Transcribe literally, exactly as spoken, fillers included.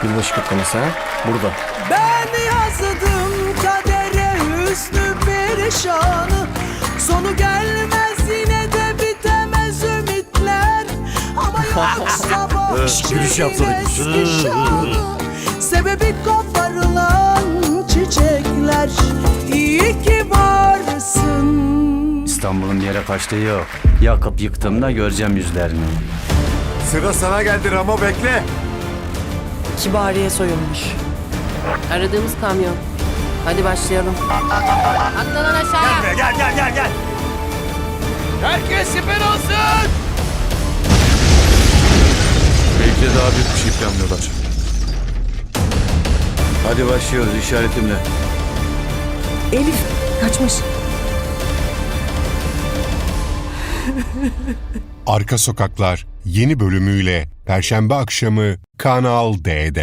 Yılbaşı kutlaması ha? Burada. Ben yazdım kadere hüsnü perişanı. Sonu gelmez yine de bitemez ümitler. Ama yok sabah gülüş yapsana. eski şanı. Sebebi koparılan çiçekler. İyi ki varsın. İstanbul'un bir yere kaçtığı yok. Yakıp yıktığımda göreceğim yüzlerini. Sıra sana geldi Ramo, bekle. Kibariye soyulmuş. Aradığımız kamyon. Hadi başlayalım. Atla lan aşağıya. Gel gel gel gel. Herkes siper olsun. Belki de daha büyük bir şey planlıyorlar. Hadi başlıyoruz işaretimle. Elif kaçmış. Arka Sokaklar yeni bölümüyle Perşembe akşamı Kanal D'de.